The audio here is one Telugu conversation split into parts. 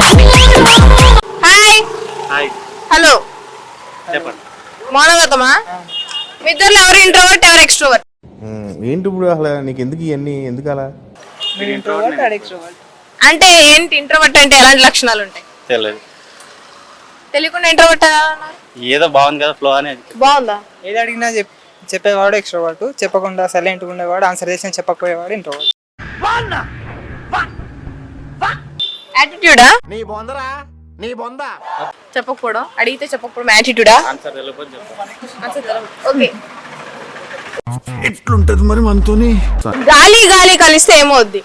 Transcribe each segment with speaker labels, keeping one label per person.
Speaker 1: హాయ్
Speaker 2: హాయ్
Speaker 1: హలో
Speaker 2: చెప్పండి.
Speaker 1: మౌనవ్రతమా? మీ ఇద్దరు ఎవరు ఇంట్రోవర్ట్ ఎవరు ఎక్స్ట్రోవర్ట్?
Speaker 3: ఏంటి ఇప్పుడు అసలు నీకు ఎందుకు ఇవన్నీ ఎందుకు అలా?
Speaker 1: అంటే ఏంటి ఇంట్రోవర్ట్ అంటే ఎలాంటి లక్షణాలు ఉంటాయి?
Speaker 2: తెలియదు,
Speaker 1: తెలియకుండా ఇంట్రోవర్ట్ అన్నారు.
Speaker 2: ఏదో బాగుంది కదా ఫ్లో అనేది.
Speaker 1: బాగుందా?
Speaker 4: ఏది అడిగినా చెప్పేవాడు ఎక్స్ట్రోవర్ట్, చెప్పకుండా సైలెంట్గా ఉండేవాడు, ఆన్సర్ చేసిన చెప్పకపోయేవాడు ఇంట్రోవర్ట్.
Speaker 1: యాటిట్యూడా?
Speaker 3: నీ బొందరా నీ బొంద.
Speaker 1: చెప్పకపోవడం, అడిగితే చెప్పకపోవడం యాటిట్యూడా?
Speaker 2: ఆన్సర్ తెలియకపోతే చెప్తాను.
Speaker 1: ఓకే.
Speaker 5: ఎట్లుంటది మరి మనతోని?
Speaker 1: గాలి గాలి కలిస్తే ఏమవుద్ది?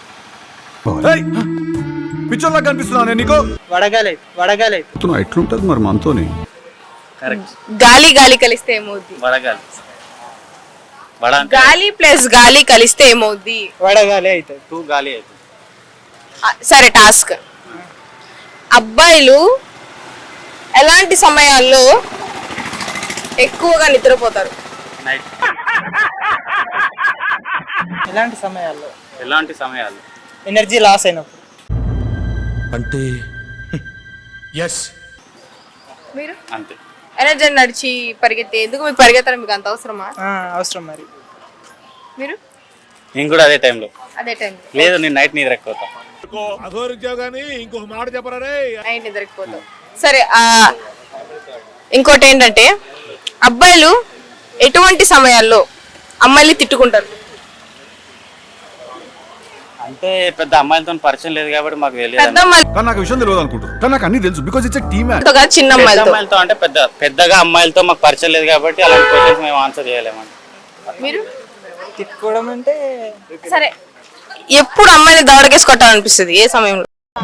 Speaker 5: పిచ్చోళ్ళ కనిపిస్తున్నా నీకు?
Speaker 4: వడగాలి
Speaker 5: ఎట్లుంటది మరి మనతోని?
Speaker 2: కరెక్ట్.
Speaker 1: గాలి గాలి కలిస్తే ఏమవుద్ది?
Speaker 2: వడగాలి. వడ అంటే
Speaker 1: గాలి ప్లస్ గాలి కలిస్తే ఏమవుద్ది?
Speaker 4: వడగాలి అవుతుంది.
Speaker 2: టూ గాలి అవుతుంది.
Speaker 1: సరే, టాస్క్. అబ్బాయిలు ఎలాంటి సమయాల్లో ఎక్కువగా నిద్రపోతారు?
Speaker 2: నైట్.
Speaker 4: ఎలాంటి సమయాల్లో?
Speaker 2: ఎలాంటి సమయాలు?
Speaker 4: ఎనర్జీ లాస్ అయినప్పుడు.
Speaker 5: అంటే ఎస్
Speaker 1: మీరు
Speaker 2: అంతే.
Speaker 1: ఎనర్జీ నడిచి పరిగెత్తే ఎందుకు మీకు పరిగెత్తడం మీకు అంత అవసరమా?
Speaker 4: అవసరం మరి.
Speaker 1: మీరు
Speaker 2: నేను కూడా అదే టైంలో.
Speaker 1: అదే టైం
Speaker 2: లేదు, నేను నైట్ నిద్ర ఎక్కువ అవుతా.
Speaker 1: నైట్ నిద్రపోతాం. సరే, ఇంకోటి ఏంటంటే అబ్బాయిలు ఎటువంటి సమయాల్లో అమ్మాయిని తిట్టుకుంటారు?
Speaker 2: అంటే పెద్ద అమ్మాయిలతో పరిచయం లేదు కాబట్టి మాకు తెలియదు.
Speaker 1: పెద్ద అమ్మాయిలతో
Speaker 5: కానీ నాకు విషయం తెలియదు అనుకుంటారు, కానీ నాకు అన్ని తెలుసు బికాజ్ ఇట్స్ టీమ్.
Speaker 1: కాదు, చిన్న
Speaker 2: పెద్ద
Speaker 1: అమ్మాయిలతో.
Speaker 2: అమ్మాయిలతో అంటే పెద్దగా అమ్మాయిలతో మాకు పరిచయం లేదు కాబట్టి అలాంటి క్వశ్చన్స్ మేము ఆన్సర్ చేయలేమండి.
Speaker 1: మీరు
Speaker 4: తిట్టుకోవడం అంటే
Speaker 1: సరే, ఎప్పుడు అమ్మాయిని దవడకేసి కొట్టాలనిపిస్తుంది? ఏ సమయంలో?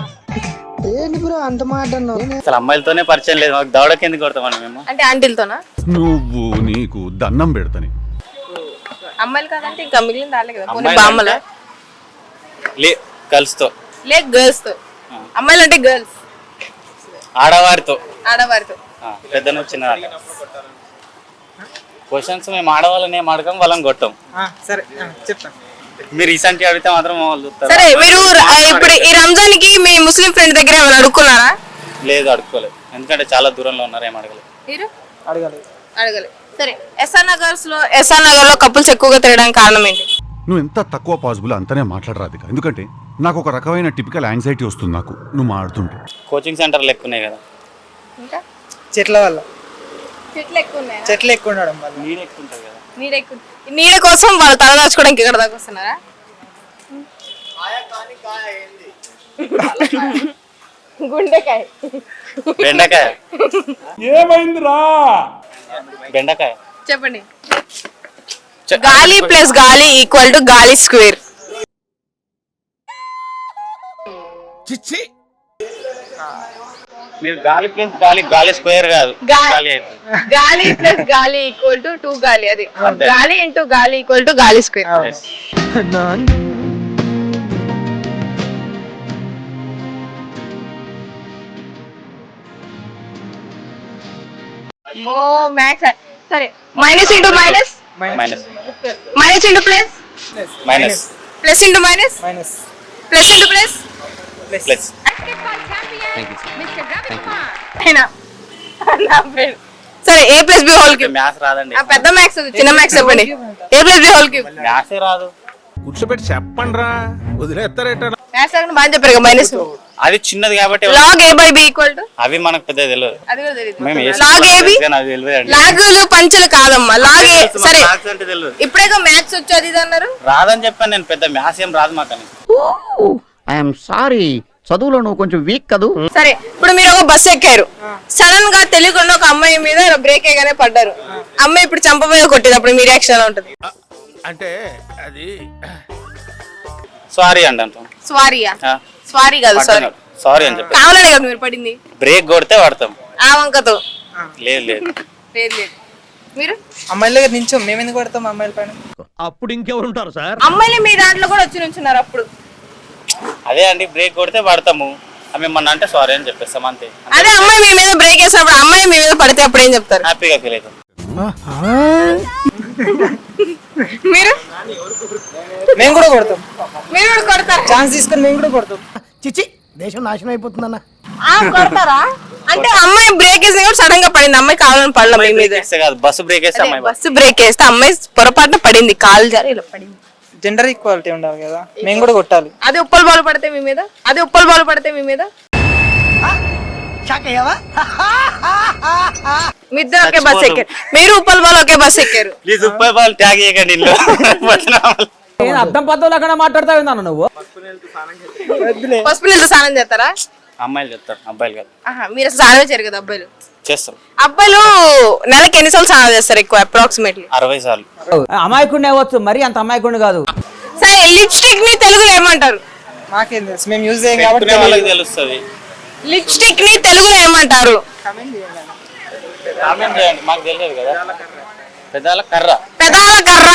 Speaker 2: అసలు అమ్మాయిలతోనే పరిచయం లేదు, మాకు దవడకి ఎందుకు కొడతామని మేము.
Speaker 1: అంటే ఆంటీలతోనా?
Speaker 5: నువ్వు నీకు దండం పెడతాని.
Speaker 1: అమ్మాయిలు కాదంటే ఇంకా మిగిలిన దాలే కదా. పోనీ
Speaker 2: అమ్మాయిలు
Speaker 1: బామ్మల
Speaker 2: లే గర్ల్స్తో,
Speaker 1: లే గర్ల్స్ తో. అమ్మాయిలు అంటే గర్ల్స్,
Speaker 2: ఆడవారితో,
Speaker 1: ఆడవారితో.
Speaker 2: పెద్దను చిన్న క్వశ్చన్స్ మేము ఆడవాళ్ళని ఏం అడగం, వాళ్ళని కొట్టాం.
Speaker 4: సరే చెప్తాను.
Speaker 2: మీరు రీసెంట్గా అడిగితే మాత్రం వాళ్ళు చూస్తారు.
Speaker 1: సరే, మీరు ఇప్పుడు ఈ రంజాన్ కి మీ ముస్లిం ఫ్రెండ్ దగ్గర ఏమైనా అడుక్కున్నారా?
Speaker 2: లేదు, అడుక్కోలేదు, ఎందుకంటే చాలా దూరంలో ఉన్నారు, ఏం అడగలేదు.
Speaker 1: మీరు
Speaker 4: అడగాలి.
Speaker 1: అడగలేదు. సరే, ఎస్ఆర్ నగర్ లో కపుల్స్ ఎక్కువగా తిరగడానికి కారణం ఏంటి?
Speaker 5: నువ్వు ఎంత తక్కువ పాసిబుల్ అంతనే మాట్లాడరాదు, ఎందుకంటే నాకు ఒక రకమైన టిపికల్ యాంగ్జైటీ వస్తుంది నాకు నువ్వు మాట్లాడుతుంటే.
Speaker 2: కోచింగ్ సెంటర్లు ఎక్కువ ఉన్నాయి కదా.
Speaker 1: ఇంకా
Speaker 4: చెట్ల వల్ల.
Speaker 1: చెట్లు ఎక్కువ ఉన్నాయా?
Speaker 4: చెట్లు ఎక్కువ ఉండడం వల్ల.
Speaker 2: నీరు ఎక్కువ ఉంటుంది కదా.
Speaker 1: నీడ ఎక్కువ. నీడ కోసం వాళ్ళు తలదాచుకోవడానికి ఇక్కడ దాకా వస్తున్నారా? గుండెకాయ,
Speaker 2: బెండకాయ. ఏమైందిరా? బెండకాయ.
Speaker 1: చెప్పండి. గాలి ప్లస్ గాలి ఈక్వల్ టు గాలి స్క్వేర్.
Speaker 2: మీరు గాలి ప్లస్ గాలి, గాలి స్క్వేర్ కాదు, గాలి అవుతుంది.
Speaker 1: గాలి ప్లస్ గాలి ఈక్వల్ టు 2 గాలి. అది
Speaker 2: అంతే.
Speaker 1: గాలి ఇంటూ గాలి ఈక్వల్ టు గాలి స్క్వేర్.
Speaker 2: Yes.
Speaker 1: ఓ మ్యాథ్స్. సరే, minus into minus,
Speaker 2: minus.
Speaker 1: Minus into plus,
Speaker 2: minus.
Speaker 1: Plus into minus,
Speaker 4: minus.
Speaker 1: Plus into plus.
Speaker 2: Plus.
Speaker 1: సరే, A plus B whole cube.
Speaker 2: Maths రాదండి,
Speaker 1: పెద్ద మ్యాథ్స్, చిన్న మ్యాథ్స్ చెప్పండి. A plus B whole cube.
Speaker 2: మ్యాథ్సే రాదు.
Speaker 3: కూర్చోబెట్టి చెప్పండి రా, వదిలేస్తారేట.
Speaker 1: మ్యాథ్స్ బాగా చెప్పారు. మైనస్
Speaker 2: అది చిన్నది కాబట్టి
Speaker 1: log A by B equal to,
Speaker 2: అవి మనకు పెద్ద తెలియదు.
Speaker 1: అది కూడా తెలియదు.
Speaker 2: మేము
Speaker 1: లాగ్ ఏబి,
Speaker 2: అది తెలియదు అండి.
Speaker 1: లాగులు పంచలు కాదమ్మా, లాగ్ ఏ. సరే,
Speaker 2: మ్యాథ్స్ అంటే తెలియదు.
Speaker 1: ఇప్పుడే మ్యాథ్స్ వచ్చి అది ఇది అన్నారు.
Speaker 2: రాదని చెప్పాను నేను, పెద్ద మ్యాథ్స్ ఏం రాదు మాకని.
Speaker 6: ఐఎమ్ సారీ, చదువులో నువ్వు కొంచెం వీక్ కదూ.
Speaker 1: సరే, ఇప్పుడు మీరు ఒక బస్సు ఎక్కారు, సడన్ గా తెలియకుండా ఒక అమ్మాయి మీద బ్రేక్ వేయగానే పడ్డారు. అమ్మాయి ఇప్పుడు చంపబోయే కొట్టింది, అప్పుడు మీ రియాక్షన్ ఎలా ఉంటుంది?
Speaker 3: అంటే అది
Speaker 2: సారీ అండి అంటాం.
Speaker 1: స్వారీయా? స్వారీ కాదు, సారీ.
Speaker 2: సారీ అని చెప్పి
Speaker 1: కావాలనే కదా మీరు పడింది.
Speaker 2: బ్రేక్ కొడితే పడతాం.
Speaker 1: ఆ వంకతో
Speaker 2: లేదు లేదు.
Speaker 1: లేదు లేదు. మీరు
Speaker 4: అమ్మాయిల దగ్గర నించో, మేము ఎందుకు పడతాం అమ్మాయిల పైన?
Speaker 6: అప్పుడు ఇంకెవరు ఉంటారు సార్?
Speaker 1: అమ్మాయిలు మీ దాంట్లో కూడా వచ్చి నుంచున్నారు అప్పుడు.
Speaker 2: అదే అండి, బ్రేక్ కొడితే పడతాము, మిమ్మల్ని అంటే సారీ అని చెప్పేస్తాం అంతే.
Speaker 1: అదే అమ్మాయి మీ మీద బ్రేక్ వేసినప్పుడు అమ్మాయి మీ మీద పడితే అప్పుడు ఏం చెప్తారు?
Speaker 2: హ్యాపీగా ఫీల్ అవుతాం.
Speaker 1: మీరు
Speaker 4: మేము కూడా కొడతాం.
Speaker 1: మీరు కూడా కొడతారు.
Speaker 4: ఛాన్స్ తీసుకొని మేము కూడా కొడతాం.
Speaker 3: చిచి
Speaker 7: దేశం నాశనం అయిపోతుందన్న.
Speaker 1: కొడతారా అంటే అమ్మాయి బ్రేక్ వేసి కూడా సడన్ గా పడింది, అమ్మాయి కావాలని పడలా మీ మీద?
Speaker 2: వేస్తే కాదు, బస్సు బ్రేక్ వేస్తే అమ్మాయి
Speaker 1: బస్సు బ్రేక్ వేస్తే అమ్మాయి పొరపాటున పడింది, కాలు జారి ఇలా పడింది.
Speaker 4: జెండర్ ఈక్వాలిటీ ఉండాలి కదా, మేము కూడా కొట్టాలి.
Speaker 1: అదే ఉప్పల్ బాలు పడితే మీ మీద, అదే ఉప్పల్ బాలు పడితే మీ మీద మీ ఇద్దరు ఒకే బస్ ఎక్కారు, మీరు ఉప్పల్ బాలు ఒకే బస్ ఎక్కారు.
Speaker 2: ప్లీజ్ ఉప్పై బాల్ ట్యాగ్ చేయకండి ఇల్లు.
Speaker 8: అర్థం పద్ధతులు అక్కడ మాట్లాడతావు నువ్వు.
Speaker 1: పసుపు నీళ్ళతో స్నానం చేస్తారా?
Speaker 2: అమ్మాయిలు చెప్తారు, అబ్బాయిలు కాదు.
Speaker 1: మీరు అసలు స్నానం చేయరు కదా అబ్బాయిలు?
Speaker 2: చేస్తారు.
Speaker 1: అబ్బాయిలు నెలకి ఎన్నిసార్లు స్నానం చేస్తారు ఎక్కువ? అప్రాక్సిమేట్లీ
Speaker 2: 60 సార్లు.
Speaker 8: అమాయకుడిని అవ్వచ్చు, మరి అంత అమాయకుడిని కాదు.
Speaker 1: సరే లిప్స్టిక్ ని తెలుగులో ఏమంటారు?
Speaker 4: మాకేం తెలుసు, మేము యూజ్ చేయం కాబట్టి
Speaker 2: పెట్టుకునే వాళ్ళకి తెలుస్తుంది.
Speaker 1: లిప్స్టిక్ ని తెలుగులో ఏమంటారు?
Speaker 2: కామెంట్ చేయండి, మాకు తెలియదు కదా. పెదాల కర్ర,
Speaker 1: పెదాల కర్ర.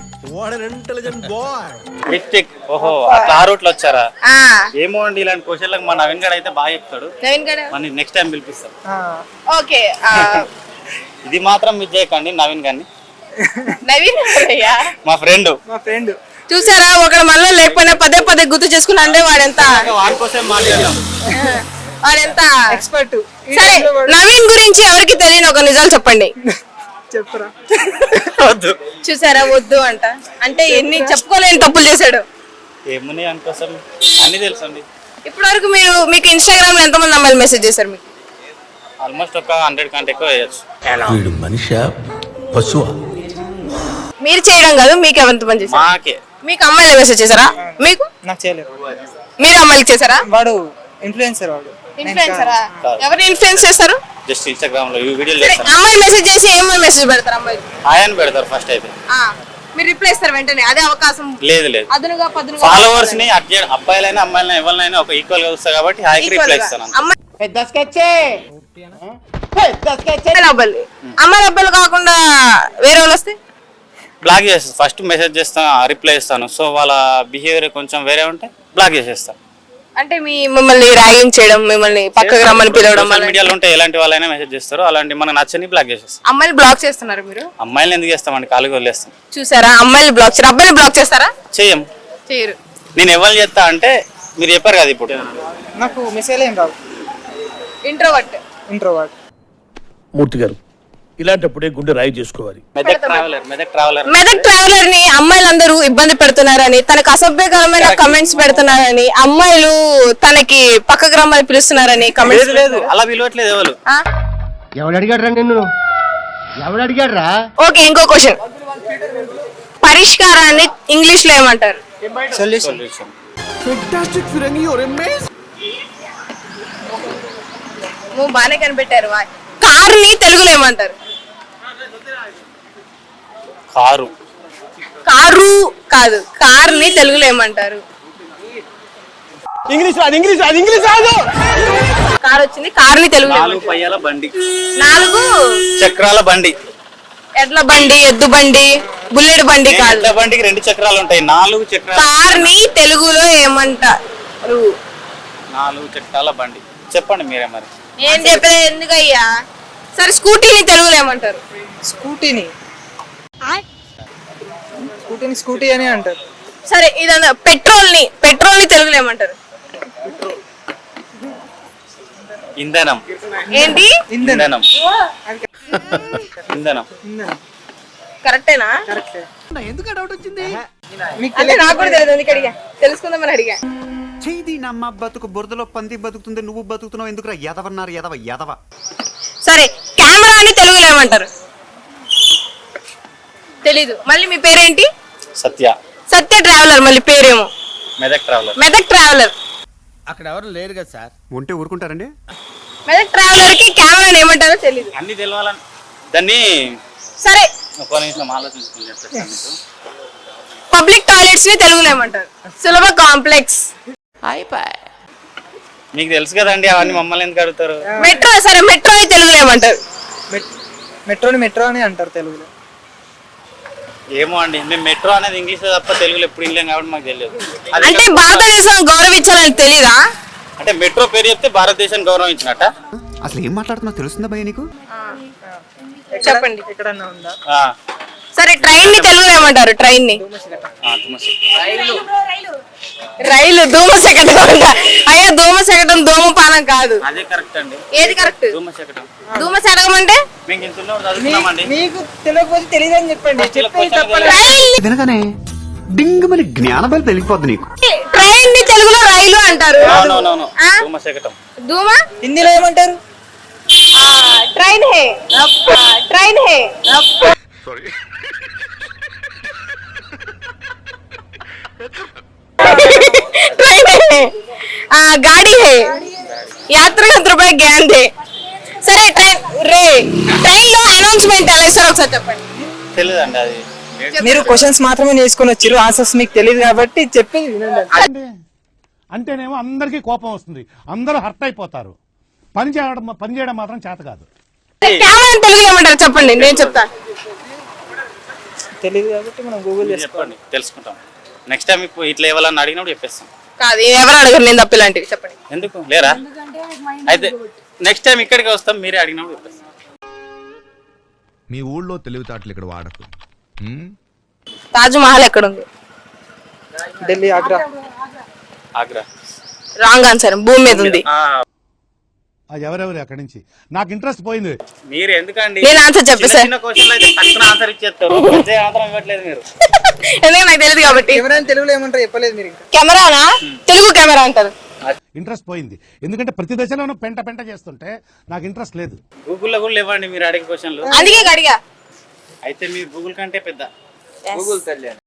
Speaker 2: లిప్స్టిక్. ఓహో, అట్లా ఆ రూట్లో వచ్చారా?
Speaker 1: ఆ,
Speaker 2: ఏమో అండి, ఇలాంటి క్వశ్చన్లకు మా నవీన్ గడ్ అయితే బాగా చెప్తాడు.
Speaker 1: నవీన్ గడ.
Speaker 2: మన నెక్స్ట్ టైం పిలిపిస్తాం.
Speaker 1: ఓకే.
Speaker 2: ఇది మాత్రం మిస్ చేయకండి నవీన్ గారిని.
Speaker 1: నవీన్ అయ్యా
Speaker 2: మా ఫ్రెండ్.
Speaker 4: మా ఫ్రెండ్
Speaker 1: చూసారా, ఒకడు మనలో లేకపోయినా పదే పదే గుర్తు చేసుకుని అంటే వాడెంత
Speaker 2: వాడి కోసం మాట్లాడదాం.
Speaker 1: వాడెంత
Speaker 4: ఎక్స్పర్ట్.
Speaker 1: సరే, నవీన్ గురించి ఎవరికి తెలియని ఒక నిజాలు చెప్పండి.
Speaker 4: చెప్పురా.
Speaker 2: వద్దు.
Speaker 1: చూసారా, వద్దు అంట. అంటే ఎన్ని చెప్పుకోలేని తప్పులు చేశాడు.
Speaker 2: ఏమున్నాయి అనుకోసం అన్ని తెలుసు అండి.
Speaker 1: ఇప్పటి వరకు మీకు ఇన్స్టాగ్రామ్ లో ఎంతమంది అమ్మాయిలు మెసేజ్ చేశారు మీకు?
Speaker 2: ఆల్మోస్ట్ ఒక 100 కంటే ఎక్కువ వేయచ్చు.
Speaker 3: వీడు మనిషి పశువా?
Speaker 1: మీరు చేయడం కాదు, మీకు ఎంతమంది చేశారు?
Speaker 2: మాకే.
Speaker 1: మీకు అమ్మాయిలు మెసేజ్ చేశారా? మీకు
Speaker 4: నాకు చేయలేదు.
Speaker 1: మీరు అమ్మాయిలు చేశారా?
Speaker 4: వాడు ఇన్ఫ్లుయెన్సర్, వాడు
Speaker 1: ఇన్ఫ్లుయెన్సరా? ఎవరిని ఇన్ఫ్లుయెన్స్ చేస్తారు?
Speaker 2: జస్ట్ ఇన్స్టాగ్రామ్ లో వీడియోలు
Speaker 1: సరే,
Speaker 2: చేస్తాను.
Speaker 1: అమ్మాయి మెసేజ్ చేసి ఏమో మెసేజ్ పెడతారు అమ్మాయిలు?
Speaker 2: ఆయన పెడతారు ఫస్ట్ అయితే.
Speaker 1: మీరు రిప్లై ఇస్తారు వెంటనే? అదే అవకాశం
Speaker 2: లేదు లేదు,
Speaker 1: అదునుగా పదునుగా
Speaker 2: ఫాలోవర్స్ ని అబ్బాయిలైనా అమ్మాయిలైనా ఎవరినైనా ఒక ఈక్వల్ గా చూస్తా కాబట్టి హాయికి రిప్లై ఇస్తాను.
Speaker 1: అమ్మాయిల అబ్బాయిలు కాకుండా వేరే వాళ్ళు వస్తే
Speaker 2: బ్లాక్ చేస్తాను. ఫస్ట్ మెసేజ్ చేస్తాను, రిప్లై ఇస్తాను. సో వాళ్ళ బిహేవియర్ కొంచెం వేరే ఉంటే బ్లాక్ చేసేస్తాను.
Speaker 1: అంటే మిమ్మల్ని ర్యాగింగ్ చేయడం, మిమ్మల్ని పక్కకు రమ్మని పిలవడం,
Speaker 2: సోషల్ మీడియాలో ఉంటే ఎలాంటి వాళ్ళైనా మెసేజ్ చేస్తారు. అలాంటి మనకు నచ్చని బ్లాక్ చేసేస్తాం.
Speaker 1: అమ్మాయిలు బ్లాక్ చేస్తున్నారు మీరు?
Speaker 2: అమ్మాయిలు ఎందుకు చేస్తామండి, కాలుగా వదిలేస్తాం.
Speaker 1: చూసారా, అమ్మాయిలు బ్లాక్ చేస్తారు, అబ్బాయిలు బ్లాక్ చేస్తారా?
Speaker 2: చెయ్యం.
Speaker 1: చేయరు.
Speaker 2: నేను ఎవరు చేస్తా అంటే మీరు చెప్పారు కదా ఇప్పుడు.
Speaker 4: నాకు మెసేజ్ ఏం రావు.
Speaker 1: ఇంట్రోవర్ట్.
Speaker 4: ఇంట్రోవర్ట్.
Speaker 3: మూర్తి గారు, ఇలాంటప్పుడే గుండె రాయి చేసుకోవాలి.
Speaker 2: మెదక్ ట్రావెలర్.
Speaker 1: మెదక్ ట్రావెలర్ ని అమ్మాయిలందరూ ఇబ్బంది పెడుతున్నారని, తనకు అసభ్యకరమైన కమెంట్స్ పెడుతున్నారని, అమ్మాయిలు తనకి పక్కకు రమ్మని పిలుస్తున్నారని కమెంట్స్.
Speaker 2: లేదు, అలా పిలవట్లేదు ఎవరు.
Speaker 7: ఎవడు అడిగాడు రా నిన్ను? ఎవడు అడిగాడు రా?
Speaker 1: ఓకే, ఇంకో క్వశ్చన్. పరిష్కారాన్ని ఇంగ్లీష్ లో ఏమంటారు?
Speaker 4: సొల్యూషన్.
Speaker 1: నువ్వు బాగానే కనిపెట్టారు. కార్ ని తెలుగులో ఏమంటారు?
Speaker 2: కారు.
Speaker 1: కారు కాదు, కార్ ని తెలుగులో ఏమంటారు? కార్ వచ్చింది, కార్ ని తెలుగులో
Speaker 2: 4 పయ్యాల బండి,
Speaker 1: 4
Speaker 2: చక్రాల బండి.
Speaker 1: ఎడ్ల బండి, ఎద్దు బండి, బుల్లెట్ బండి కాదు.
Speaker 2: ఎడ్ల బండికి 2 చక్రాలు ఉంటాయి, 4 చక్రాలు.
Speaker 1: కార్ ని తెలుగులో ఏమంటారు?
Speaker 2: 4 చక్రాల బండి. చెప్పండి మీరే మరి.
Speaker 1: ఏం చెప్పలే ఎందుకయ్యా. సరే, స్కూటీని తెలుగులో ఏమంటారు?
Speaker 4: స్కూటీని స్కూటీ అని అంటారు.
Speaker 1: సరే, ఇదన్నా పెట్రోల్ ని తెలుగులో ఏమంటారు?
Speaker 2: ఇంధనం.
Speaker 1: ఏంటి?
Speaker 2: ఇంధనం. ఇంధనం.
Speaker 1: కరెక్టేనా?
Speaker 7: ఎందుకు డౌట్ వచ్చింది?
Speaker 1: అంటే నాకు కూడా తెలియదు, ఎందుకు అడిగా, తెలుసుకుందామని అడిగా.
Speaker 9: చేది నమ్మ బతుకు బురదలో పంది బతుకుతుంది, నువ్వు బతుకుతున్నావు ఎందుకురా ఎదవన్నారు ఎదవ.
Speaker 1: సరే, కెమెరాని తెలుగులో ఏమంటారు? తెలీదు. మళ్ళీ మీ పేరేంటి?
Speaker 2: సత్య.
Speaker 1: సత్య ట్రావెలర్. మళ్ళీ పేరేమో
Speaker 2: మెదక్ ట్రావెలర్.
Speaker 1: మెదక్ ట్రావెలర్.
Speaker 3: అక్కడ ఎవరు లేరు కదా సార్?
Speaker 9: ఉంటే ఊరుకుంటారండి.
Speaker 1: మెదక్ ట్రావెలర్ కి కెమెరాని ఏమంటారో తెలీదు.
Speaker 2: అన్ని తెలవాలని దాన్ని.
Speaker 1: సరే,
Speaker 2: ఒక నిమిషం ఆలోచించుకుని చెప్తాను మీకు.
Speaker 1: పబ్లిక్ టాయిలెట్స్ ని తెలుగులో ఏమంటారు? సులభ కాంప్లెక్స్.
Speaker 2: మీకు తెలుసు కదండి, అవన్నీ మమ్మల్ని ఎందుకు అడుగుతారు?
Speaker 1: మెట్రో. సరే, మెట్రోని తెలుగులో ఏమంటారు?
Speaker 4: మెట్రో అని అంటారు తెలుగులో.
Speaker 2: ఏమో అండి, మేము మెట్రో అనేది ఇంగ్లీష్ తప్ప తెలుగులో ఎప్పుడు వినలేం కాబట్టి మాకు తెలియదు.
Speaker 1: అంటే భారతదేశం గౌరవించాలని తెలీదా?
Speaker 2: అంటే మెట్రో పేరు చెప్తే భారతదేశాన్ని గౌరవించినట్ట.
Speaker 9: అసలు ఏం మాట్లాడుతున్నావు తెలుస్తుందా భయ్య నీకు?
Speaker 1: చెప్పండి.
Speaker 4: ఎక్కడన్నా ఉందా?
Speaker 1: సరే, ట్రైన్ ని తెలుగులో ఏమంటారు? ట్రైన్ ని రైలు. ధూమశకటం. అయ్యా, ధూమశకటం శకటం ధూమపానం కాదు.
Speaker 2: అదే కరెక్ట్ అండి.
Speaker 1: ఏది కరెక్ట్?
Speaker 2: ధూమ శకటం.
Speaker 1: ధూమ శకటం అంటే
Speaker 2: మేము ఇంత చదువుతున్నామండి.
Speaker 4: మీకు తెలియకపోతే తెలియదు అని చెప్పండి. చెప్పేది తప్పలేదు.
Speaker 1: ట్రైన్
Speaker 9: వినగానే డింగ్ మరి జ్ఞానబలి పెరిగిపోద్ది నీకు.
Speaker 1: ట్రైన్ ని తెలుగులో రైలు అంటారు.
Speaker 2: అవునవునవును.
Speaker 1: ఆ?
Speaker 2: ధూమ శకటం.
Speaker 1: ధూమ
Speaker 4: హిందీలో ఏమంటారు?
Speaker 1: ట్రైన్ హే, ట్రైన్ హే. ट्रेन है, गाड़ी है, यात्री रुपए ज्ञान थे. సరే ట్రైన్ లో అనౌన్స్మెంట్ ఎలా ఇస్తారో ఒకసారి చెప్పండి.
Speaker 2: తెలియదండి అది.
Speaker 4: మీరు క్వశ్చన్స్ మాత్రమే నేర్చుకొని వచ్చారు, ఆన్సర్స్ మీకు తెలియదు కాబట్టి చెప్పేది వినండి.
Speaker 3: అంటేనేమో అందరికీ కోపం వస్తుంది, అందరూ హర్ట్ అయిపోతారు. పని చేయడం మాత్రం చేత కాదు.
Speaker 1: కెమెరా తెలుగులో ఏమంటారు చెప్పండి, నేను చెప్తాను.
Speaker 4: తెలియదు కాబట్టి మనం గూగుల్
Speaker 2: మీరు చెప్పండి, తెలుసుకుంటాం. నెక్స్ట్ టైం ఇప్పుడు ఇట్లా ఇవ్వాలని అడిగినప్పుడు చెప్పేస్తాం.
Speaker 1: కాదు ఎవరు అడగరు, నేను తప్ప ఇలాంటివి చెప్పండి.
Speaker 2: ఎందుకు లేరా? అయితే నెక్స్ట్ టైం ఇక్కడికి వస్తాం, మీరే అడిగినప్పుడు చెప్పేస్తాం.
Speaker 5: మీ ఊళ్ళో తెలివితేటలు ఇక్కడ వాడకు.
Speaker 1: తాజ్ మహల్ ఎక్కడ ఉంది?
Speaker 4: ఢిల్లీ, ఆగ్రా.
Speaker 2: ఆగ్రా.
Speaker 1: రాంగ్ ఆన్సర్, భూమి మీద ఉంది.
Speaker 3: ఎవరెవరు అక్కడి నుంచి నాకు ఇంట్రెస్ట్ పోయింది.
Speaker 2: మీరు ఎందుకండి
Speaker 1: నేను ఆన్సర్ చెప్పేసా.
Speaker 2: చిన్న క్వశ్చన్ అయితే తక్కువ ఆన్సర్ ఇచ్చేస్తారు, పెద్ద ఆన్సర్ ఇవ్వట్లేదు మీరు.
Speaker 1: ఎందుకంటే నాకు తెలియదు కాబట్టి.
Speaker 4: కెమెరా తెలుగులో ఏమంటారు చెప్పలేదు మీరు. ఇంకా
Speaker 1: కెమెరానా తెలుగు కెమెరా అంటారు.
Speaker 3: ఇంట్రెస్ట్ పోయింది, ఎందుకంటే ప్రతి దశలోనూ పెంట చేస్తుంటే నాకు ఇంట్రెస్ట్ లేదు.
Speaker 2: గూగుల్లో కూడా లేవండి మీరు అడిగే క్వశ్చన్లు.
Speaker 1: అందుకే అడిగా.
Speaker 2: అయితే మీరు గూగుల్ కంటే పెద్ద. గూగుల్ తల్లి.